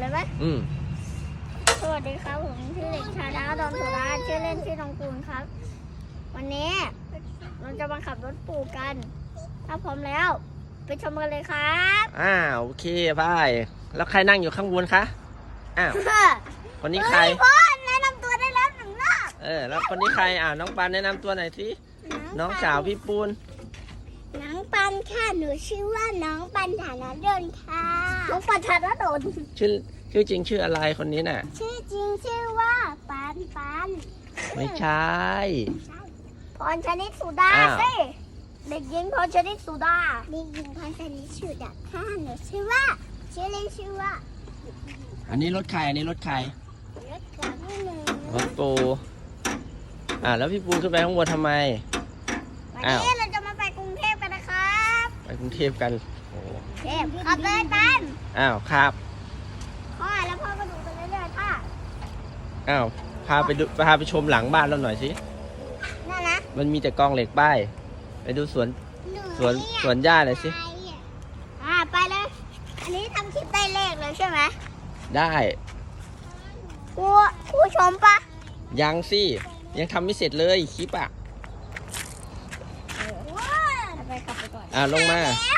เลยไหม สวัสดีครับผมชื่อเด็กชายดาวดอนสุราชื่อเล่นชื่อน้องปูนครับ วันนี้เราจะมาขับรถปู่กัน ถ้าพร้อมแล้วไปชมกันเลยครับโอเคไปแล้วใครนั่งอยู่ข้างบนคะคนนี้ใครพ่อแนะนำตัวได้แล้วหนึ่งรอบแล้วคนนี้ใครน้องปานแนะนำตัวหน่อยสิน้องสาวพี่ปูนน้องปันค่ะหนูชื่อว่าน้องปันฐานะดลค่ะน้องปันฐานะดลชื่อจริงชื่ออะไรคนนี้น่ะชื่อจริงชื่อว่าปันไม่ใช่พรชนิดสุดาสิเด็กหญิงพรชนิดสุดาเด็กหญิงพรชนิดสุดาค่ะหนูชื่อเล่นชื่อว่าอันนี้รถใครอันนี้รถใครรถของพี่หนึ่งรถปูแล้วพี่ปูนขึ้นไปข้างบนทำไมวันนี้เราจะมาไปกรุงเทพกันนะครับไปกรุงเทพกันเทพขับเลยตันครับพ่อแล้วพ่อก็ดูไปเรื่อยๆค่ะพาไปชมหลังบ้านเราหน่อยสินั่นนะมันมีแต่กองเหล็กป้ายไปดูสวนหญ้าหน่อยสิไปเลยอันนี้ทำคลิปได้เลขเลยใช่ไหมได้ครูชมปะยังสิยังทำไม่เสร็จเลยคลิปไปขับไปก่อนลงมาแล้ว